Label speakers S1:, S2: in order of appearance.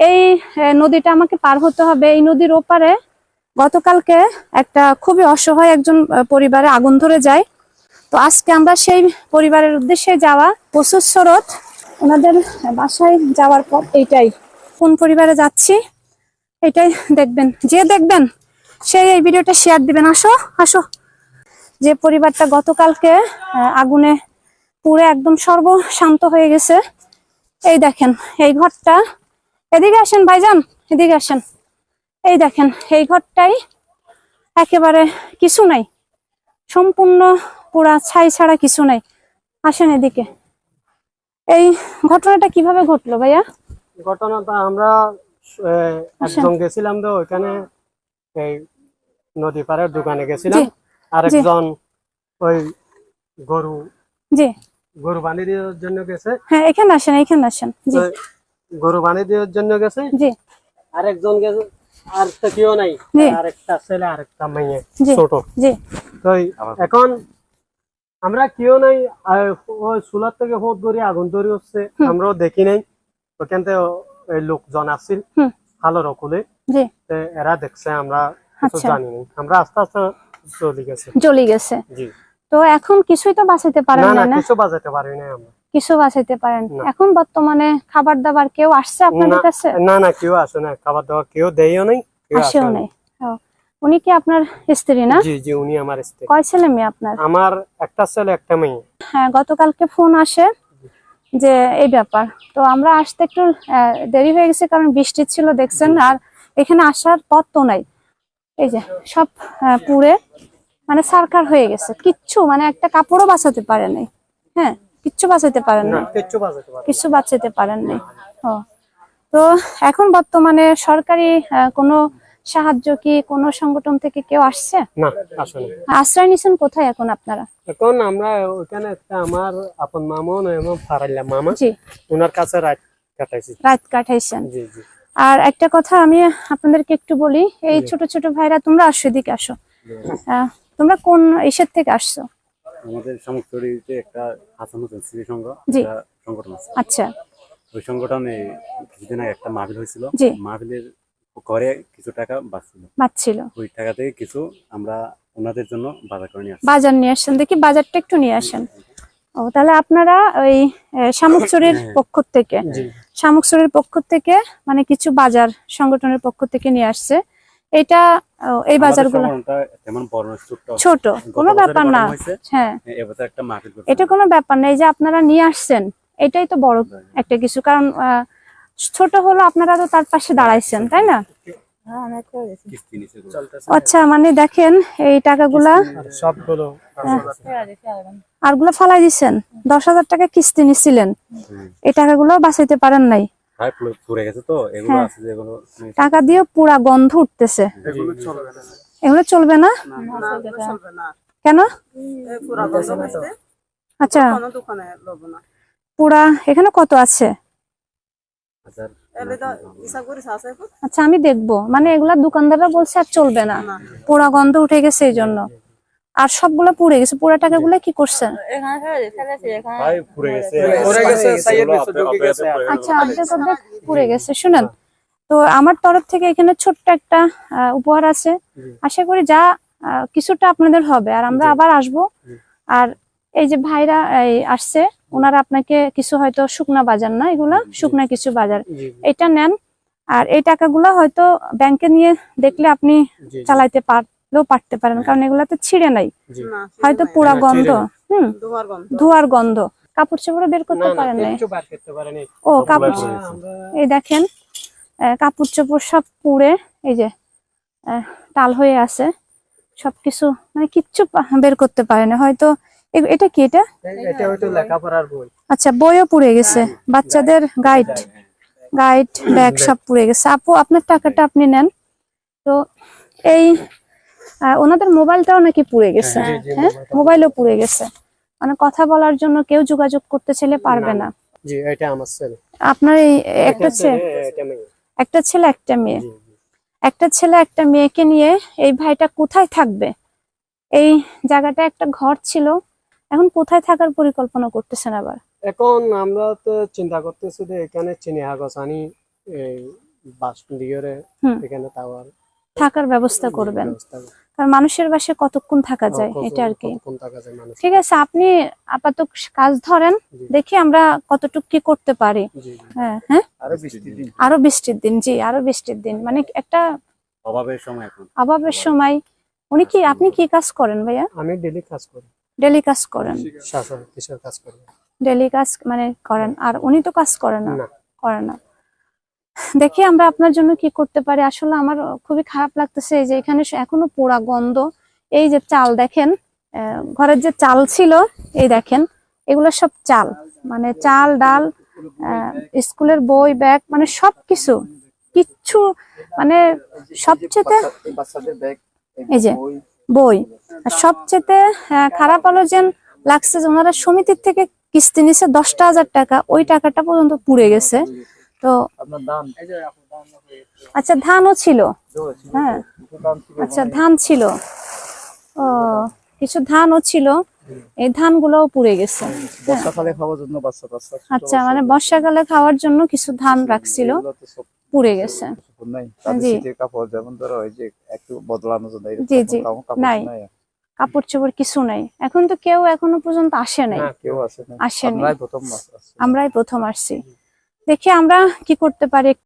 S1: এই নদীটা আমাকে পার হতে হবে। এই নদীর ওপারে গতকালকে একটা খুবই অসহায় একজন পরিবারে আগুন ধরে যায়। তো আজকে আমরা সেই পরিবারের উদ্দেশ্যে যাওয়া, প্রচুর স্রোত, ওনাদের বাসায় যাওয়ার পর এইটাই কোন পরিবারে যাচ্ছি এটাই দেখবেন, যে দেখবেন সেই এই ভিডিওটা শেয়ার দিবেন। আসো আসো। যে পরিবারটা গতকালকে আগুনে পুড়ে একদম সর্বশান্ত হয়ে গেছে, এই দেখেন এই ঘরটা। এদিকে আসেন ভাইজান, এদিকে আসেন। এই দেখেন এই ঘরটাই একেবারে কিছু নাই, সম্পূর্ণ পুরা ছাই ছাড়া কিছু নাই। আসেন এদিকে। এই ঘটনাটা কিভাবে ঘটলো ভাইয়া?
S2: ঘটনাটা আমরা একজন গেছিলাম তো ওইখানে, এই নদী পাড়ের দোকানে গেছিলাম। আরেকজন ওই গরু
S1: জি
S2: গরু বানিয়ে দেওয়ার জন্য গেছে।
S1: হ্যাঁ এখানে আসেন, এখানে আসেন। জি
S2: গরু বানিয়ে দেওয়ার জন্য গেছে।
S1: জি
S2: আরেকজন গেছে, আর তো কেউ নাই, আরেকটা ছেলে আরেকটা মেয়ে ছোট।
S1: জি
S2: তো এখন আমরা কেউ নাই, ওই চুলার থেকে হোদ ধরে আগুন ধরে হচ্ছে, আমরাও দেখি নাই। ওখান থেকে ওই লোকজন আসছিল ভালো রকলে, এরা দেখছে, আমরা কিছু জানি না। আমরা আস্তে আস্তে চলে গেছে। জি।
S1: তো এখন কিছুই তো বাঁচাতে পারেন না?
S2: না, কিছু বাঁচাতে পারি না আমরা।
S1: কিছু বাঁচাতে পারেন? এখন বর্তমানে খাবার দাবার কেউ আসছে আপনাদের কাছে?
S2: না, কেউ আসে না। খাবার দাবার কেউ দেয়ও নাই,
S1: আসেও নাই। উনি কি আপনার স্ত্রী না?
S2: জি জি, উনি আমার স্ত্রী।
S1: কয় ছেলে মেয়ে আপনার?
S2: আমার একটা ছেলে একটা মেয়ে।
S1: হ্যাঁ, গতকালকে ফোন আসে যে এই ব্যাপার। তো আমরা আসতে একটু দেরি হয়ে গেছে, কারণ বৃষ্টি ছিল দেখছেন, আর এখানে আসার পথ তো নাই। এই যে সব পুড়ে মানে সারকার হয়ে গেছে, কিচ্ছু মানে একটা কাপড়ও বাঁচাতে পারে নাই। হ্যাঁ, কিচ্ছু বাঁচাতে পারেন না, কিচ্ছু বাঁচাতে পারেন নাই। তো এখন বর্তমানে সরকারি কোনো সাহায্য কি কোনো সংগঠন থেকে কেউ আসছে?
S2: না, আসলে
S1: আশ্রয় নিছেন কোথায় এখন আপনারা?
S2: এখন আমরা ওখানে একটা আমার আপন মামা এবং ফারাইলা মামা, ওনার কাছে রাত
S1: কাটাইছেন।
S2: জি জি।
S1: আর একটা কথা আমি আপনাদেরকে একটু বলি, এই ছোট ছোট ভাইরা তোমরা আসো, এদিকে আসো। তোমরা কোন ইসের থেকে আসছো?
S3: আমাদের শামুকচুরিতে একটা হাসান হোসেন স্মৃতি সংঘ সংগঠন আছে।
S1: আচ্ছা।
S3: ওই সংগঠনে কিছুদিন আগে একটা মাহফিল হয়েছিল। মাহফিলের ঘরে কিছু টাকা বাঁচছিল, ওই টাকা থেকে কিছু আমরা ওনাদের জন্য বাজার নিয়ে আসছেন।
S1: দেখি বাজারটা একটু নিয়ে আসেন। ও, তাহলে আপনারা ওই শামুকচুরির পক্ষ থেকে মানে কিছু বাজার সংগঠনের পক্ষ থেকে নিয়ে আসছে। এটা এই বাজারগুলো ছোট, কোনো ব্যাপার না। হ্যাঁ, এটা কোনো ব্যাপার না। এই যে আপনারা নিয়ে আসছেন, এটাই তো বড় একটা কিছু, কারণ ছোট হলো আপনারা তো তার পাশে দাঁড়াইছেন, তাই না? আচ্ছা, মানে দেখেন এই টাকাগুলা
S2: সবগুলো
S1: আরগুলো ফালাই দিচ্ছেন। 10,000 টাকা কিস্তি নিছিলেন, এই টাকাগুলো বাঁচাইতে পারেন নাই। টাকা দিয়ে পুরা গন্ধ উঠতেছে। এগুলো চলবে না? কেন? আচ্ছা, পুরা এখানে কত আছে? আচ্ছা, আমি দেখবো। মানে এগুলা দোকানদাররা বলছে আর চলবে না, পুরা গন্ধ উঠে গেছে, এই জন্য। আর সবগুলো পুড়ে গেছে। পুরা টাকাগুলো কি করছেন? আচ্ছা, অর্ধেক পুড়ে গেছে। শুনেন, তো আমার তরফ থেকে এখানে ছোট্ট একটা উপহার আছে। আশা করি যা কিছুটা আপনাদের হবে, আর আমরা আবার আসবো। আর এই যে ভাইরা আসছে, ওনারা আপনাকে কিছু, হয়তো শুকনা বাজার না, এগুলা শুকনা কিছু বাজার, এটা নেন। আর এই টাকাগুলা হয়তো ব্যাংকে নিয়ে দেখলে আপনি চালাইতে পারতে পারেন, কারণ এগুলাতে ছিঁড়ে নাই, হয়তো পুরা গন্ধ, ধোয়ার গন্ধ। কাপড় চোপড় বের করতে পারেন নাই? ও, কাপড়, এই দেখেন কাপড় চোপড় সব পুড়ে এই যে টাল হয়ে আছে, সবকিছু মানে কিচ্ছু বের করতে পারে না। হয়তো এটা কি? এটা
S2: হয়তো লেখাপড়ার বই।
S1: আচ্ছা, বইও পুড়ে গেছে, বাচ্চাদের গাইড ব্যাগ সব পুড়ে গেছে। আপু, আপনার টাকাটা আপনি নেন তো। এই ওনাদের মোবাইলটাও নাকি পুড়ে গেছে। হ্যাঁ, মোবাইলও পুড়ে গেছে, মানে কথা বলার জন্য কেউ যোগাযোগ করতে চাইলে পারবে না।
S2: জি, এটা আমার ছেলে।
S1: আপনার এই একটা ছেলে একটা মেয়ে, একটা ছেলে একটা মেয়েকে নিয়ে এই ভাইটা কোথায় থাকবে? এই জায়গাটা একটা ঘর ছিল, এখন কোথায় থাকার পরিকল্পনা করতেছেন আবার?
S2: এখন আমরা তো চিন্তা করতেছি যে এখানে চিনিহাগছ আনি বাস লিগরে
S1: হুম।
S2: এখানে টাওয়ার
S1: থাকার ব্যবস্থা করবেন, কারণ মানুষের বাসায় কতক্ষণ থাকা যায় এটা আর কি। ঠিক আছে, আপনি আপাতত কাজ ধরেন, দেখি আমরা কতটুকু কি করতে পারি। হ্যাঁ হ্যাঁ, আরো বৃষ্টির দিন, জি আরো বৃষ্টির দিন, মানে একটা
S3: অভাবের সময় এখন
S1: অভাবের সময়। উনি কি, আপনি কি কাজ করেন ভাইয়া?
S2: আমি ডেলি কাজ করি।
S1: ডেলি কাজ করেন?
S2: কিসের কাজ করি?
S1: ডেলি কাজ মানে করেন, আর উনি তো কাজ করেন না,
S2: না।
S1: করে না। দেখি আমরা আপনার জন্য কি করতে পারি। আসলে আমার খুবই খারাপ লাগতেছে এই যে এখানে এখনো পোড়া গন্ধ। এই যে চাল দেখেন, ঘরের যে চাল ছিল, এই দেখেন এগুলো সব চাল, মানে চাল ডাল, স্কুলের বই ব্যাগ, মানে সবকিছু, কিচ্ছু মানে সবচেয়ে এই যে বই। আর সবচেয়ে খারাপ হলো যে লাগছে যে ওনারা সমিতির থেকে কিস্তি নিছে 10,000 টাকা, ওই টাকাটা পর্যন্ত পুড়ে গেছে। তো আচ্ছা, ধানও ছিল, হ্যাঁ আচ্ছা ধান ছিল, ও কিছু ধানও ছিল, এই ধানগুলোও পুড়ে গেছে।
S4: বর্ষাকালে খাওয়ার জন্য
S1: আচ্ছা, মানে বর্ষাকালে খাওয়ার জন্য কিছু ধান রাখছিল, পুড়ে গেছে। জি
S4: কাপড় যেমন ধরো ওই যে একটু বদলানোর জন্য
S1: জি জি, নাই কাপড় চোপড় কিছু নাই। এখন তো কেউ এখনো পর্যন্ত আসে নাই, আসেনি, আমরাই প্রথম আসছি। দেখি আমরা কি করতে পারি।